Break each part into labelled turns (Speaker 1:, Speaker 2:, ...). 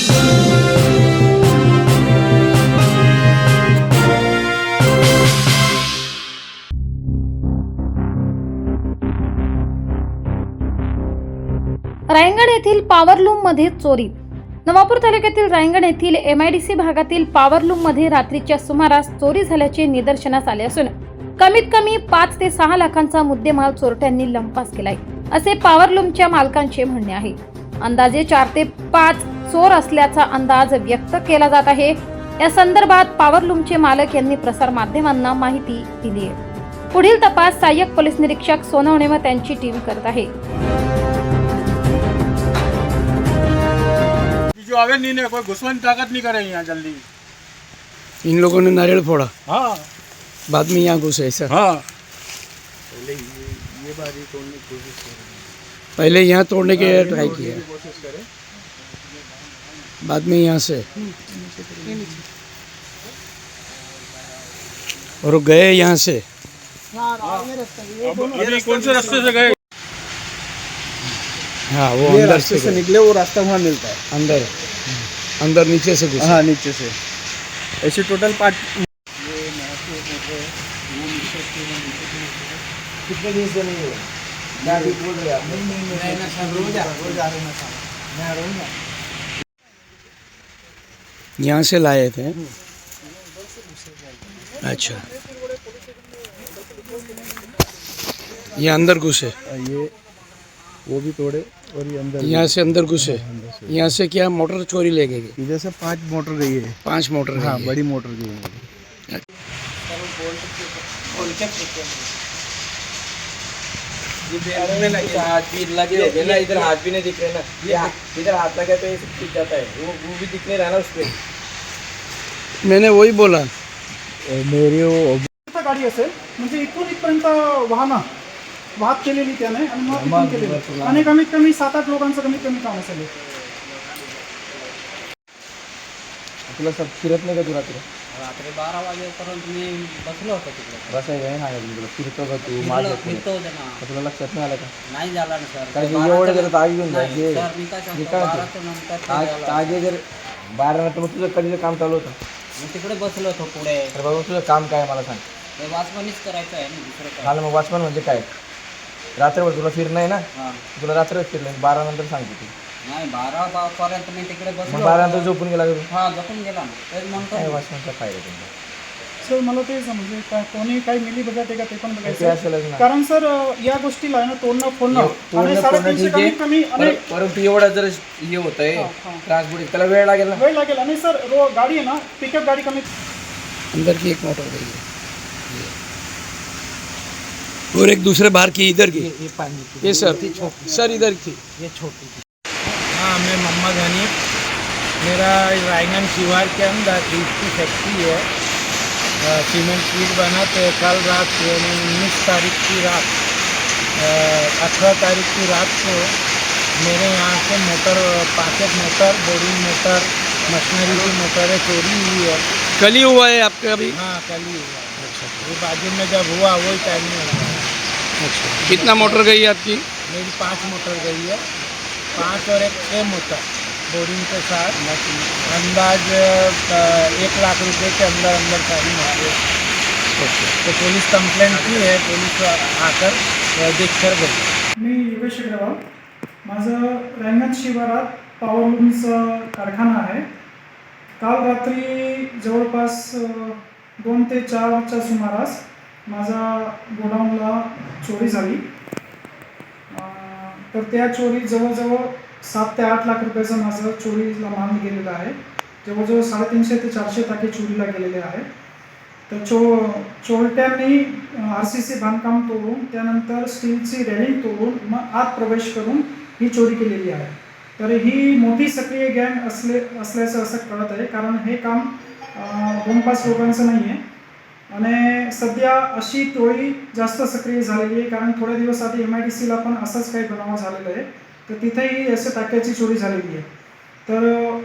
Speaker 1: रायगड येथील पॉवरलूम मध्ये चोरी. नवापूर तालुक्यातील रायगड येथील MIDC भागातील पॉवरलूम मध्ये रात्रीच्या सुमारास चोरी झाल्याचे निदर्शनास आले असून कमीत कमी 5 ते 6 लाखांचा मुद्देमाल चोरट्यांनी लंपास केलाय, असे पॉवरलूमच्या मालकांचे म्हणणे आहे. अंदाजे 4 ते 5 चोर असल्याचा अंदाज व्यक्त केला जात आहे. या संदर्भात पॉवरलूमचे मालक यांनी प्रसार माध्यमांना माहिती दिली आहे. पुढील तपास सहाय्यक पोलीस निरीक्षक सोनवणे व त्यांची टीम करत आहे.
Speaker 2: जो आगे नहीं कोई घुसवन ताकत नहीं करे यहाँ जल्दी।
Speaker 3: इन लोगों ने नारियल फोड़ा,
Speaker 2: हाँ
Speaker 3: बाद में यहाँ घुसे सर।
Speaker 2: हाँ
Speaker 3: पहले यहाँ तोड़ने के ट्राई किया, बाद में यहाँ से और गए यहाँ से।
Speaker 2: अभी कौन से रास्ते से गए?
Speaker 3: हाँ वो
Speaker 4: ये
Speaker 3: अंदर
Speaker 4: रास्ते से निकले, वो रास्ता वहाँ मिलता है
Speaker 3: अंदर अंदर नीचे से घुसे।
Speaker 4: हाँ नीचे से। ऐसे टोटल 5 कितने दिन से नहीं हुआ? मैं अभी बोल रहा
Speaker 3: यहाँ से लाए थे। अच्छा, ये अंदर घुसे,
Speaker 4: ये वो भी तोड़े और ये अंदर
Speaker 3: यहाँ से अंदर घुसे। यहाँ से क्या मोटर चोरी ले गए?
Speaker 4: इधर से 5 मोटर गई है।
Speaker 3: 5 मोटर।
Speaker 4: हाँ
Speaker 3: गई है।
Speaker 4: बड़ी मोटर गई है।
Speaker 5: हाथ भी लगे हो गए ना, इधर हाथ भी नहीं दिख रहे ना, इधर हाथ लगा तो ये सब टूट जाता है, वो भी दिख नहीं रहा ना उस पर।
Speaker 3: मैंने वही बोला,
Speaker 4: मेरी वो
Speaker 6: गाडी असेल म्हणजे इथून इथपर्यंत वाहत केलेली त्याने आणि मग इथून केलेली आणि कमीत कमी 7-8 लोकांचं कमीत कमी काम असेल.
Speaker 4: तुला सब फिरत नाही का तू रात्री?
Speaker 5: रात्री 12 वाजेपर्यंत मी बसलो होतो तिकडे.
Speaker 4: बसायचं नाही सांगितलं तुला, फिरतो का तू?
Speaker 5: फिरतो होते ना.
Speaker 4: तुला लक्षात नाही आलं का?
Speaker 5: नाही झाला ना सर.
Speaker 4: कारण की एवढं जर आग घेऊन
Speaker 5: नाही,
Speaker 4: जायचे
Speaker 5: सर मी काय सांगतो,
Speaker 4: काय
Speaker 5: 12च्या नंतर ते झालं.
Speaker 4: आगे जर 12 नंतर मग तुझं कधीचं काम चालू होतं?
Speaker 5: मी तिकडे बसलो होतो पुढे.
Speaker 4: तर बाबा तुझं काम काय मला सांग.
Speaker 5: ते वाचमनीच करायचं आहे ना, दुसरं काय.
Speaker 4: मला मग वॉचमन म्हणजे काय? रात्रभर तुला फिरणं आहे ना,
Speaker 5: हां
Speaker 4: तुला रात्रभर फिरलं, 12 नंतर सांगते तू.
Speaker 5: नाही 12 पर्यंत मी तिकडे
Speaker 4: मग
Speaker 5: बसलो.
Speaker 4: 12 नंतर झोपून गेला का तू?
Speaker 5: हां झोपून गेला ना. तेच म्हणतो
Speaker 4: काय
Speaker 5: मी.
Speaker 4: वॉचमनचा फायदा तुमचा?
Speaker 6: सर मला ते समजे काय कोणी काही मिली बघत आहे का ते पण
Speaker 4: ते
Speaker 6: बघायचं
Speaker 4: असेलच ना.
Speaker 6: कारण सर या गोष्टीला आहे ना तोडणं फोडणं आणि 350
Speaker 4: ठीक आहे,
Speaker 6: कमीत कमी आणि
Speaker 4: परंतु एवढा जर हे होत आहे ट्रान्सपोर्ट, त्याला वेळ लागेल ना.
Speaker 6: वेळ लागेल. आणि सर गाडी आहे ना, पिकअप गाडी कमी
Speaker 3: अंदर की एक मोटर गई है और एक दूसरे बाहर की इधर की। ये सर इधर थी।
Speaker 2: हाँ मैं मोहम्मद हनीफ, मेरा रायगढ़ शिवार के अंदर ईट की फैक्ट्री है। सीमेंट ईट बना तो कल रात 19 तारीख की रात 18 तारीख की रात को मेरे यहाँ से motor 5 motor, boring motor, machinery की मोटरें चोरी हुई है।
Speaker 3: कल ही हुआ है आपका अभी?
Speaker 2: हाँ कल ही हुआ। ये बाजू में जब हुआ वही टाइम में हुआ।
Speaker 3: अच्छा, कितना मोटर गई है आपकी?
Speaker 2: मेरी 5 मोटर गई है, 5 और 6 मोटर बोरिंग के साथ। अंदाज 1 लाख रुपए के अंदर अंदर सारी मोटर। तो पुलिस कंप्लेंट की है, पुलिस आकर देख कर गई।
Speaker 6: मी योगेश अग्रवाल, माझं रायगड शिवारात पॉवरलूमचा कारखाना आहे. काल रात्री जवळपास 2 ते 4च्या सुमारास माझा गोडाऊनला चोरी झाली. तर त्या चोरी जवळजवळ 7 ते 8 लाख रुपयाचा माझा चोरीला माल गेलेला आहे. जवळजवळ 350 ते 400 टाके चोरीला गेलेले आहे. तर चोरट्यांनी RCC बांधकाम तोडून त्यानंतर स्टीलची रेलिंग तोडून मग आत प्रवेश करून ही चोरी केलेली आहे. तर ही मोठी सक्रिय गँग असल्याचं असं कळत आहे, कारण हे काम 2-5 लोकांचं नाही आहे. आणि सध्या अशी टोळी जास्त सक्रिय झालेली आहे, कारण थोड्या दिवस आधी MIDCला पण असंच काही बनाव झालेलं आहे. तर तिथेही असं टाक्याची चोरी झालेली आहे. तर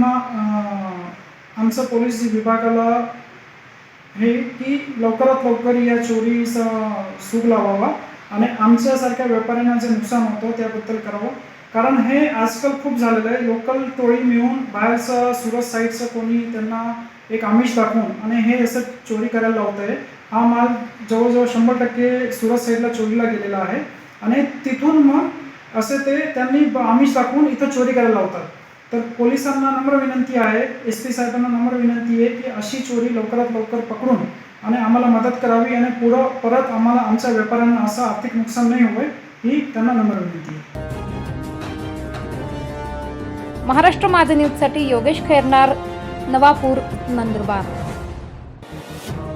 Speaker 6: आमचं पोलीस विभागाला हे की लवकरात लवकर या चोरीचा सूग लावावा आणि आमच्यासारख्या व्यापाऱ्यांना जे नुकसान होतं त्याबद्दल करावं कारण हे आजकाल खूप झालेलं आहे. लोकल टोळी मिळून बाहेरचं सुरत साईडचं कोणी त्यांना एक आमिष दाखवून आणि हे असं चोरी करायला लावत आहे. हा माल जवळजवळ 100% सुरत साईडला चोरीला गेलेला आहे आणि तिथून मग असे ते त्यांनी आमिष दाखवून इथं चोरी करायला लावतात. तर पोलिसांना नम्र विनंती आहे, SP साहेबांना नम्र विनंती आहे की अशी चोरी लवकरात लवकर पकडून आणि आम्हाला मदत करावी आणि परत आम्हाला आमच्या व्यापाऱ्यांना असं आर्थिक नुकसान नाही होईल ही त्यांना नम्र विनंती आहे.
Speaker 1: महाराष्ट्र माझा न्यूजसाठी योगेश खैरनार, नवापूर, नंदुरबार.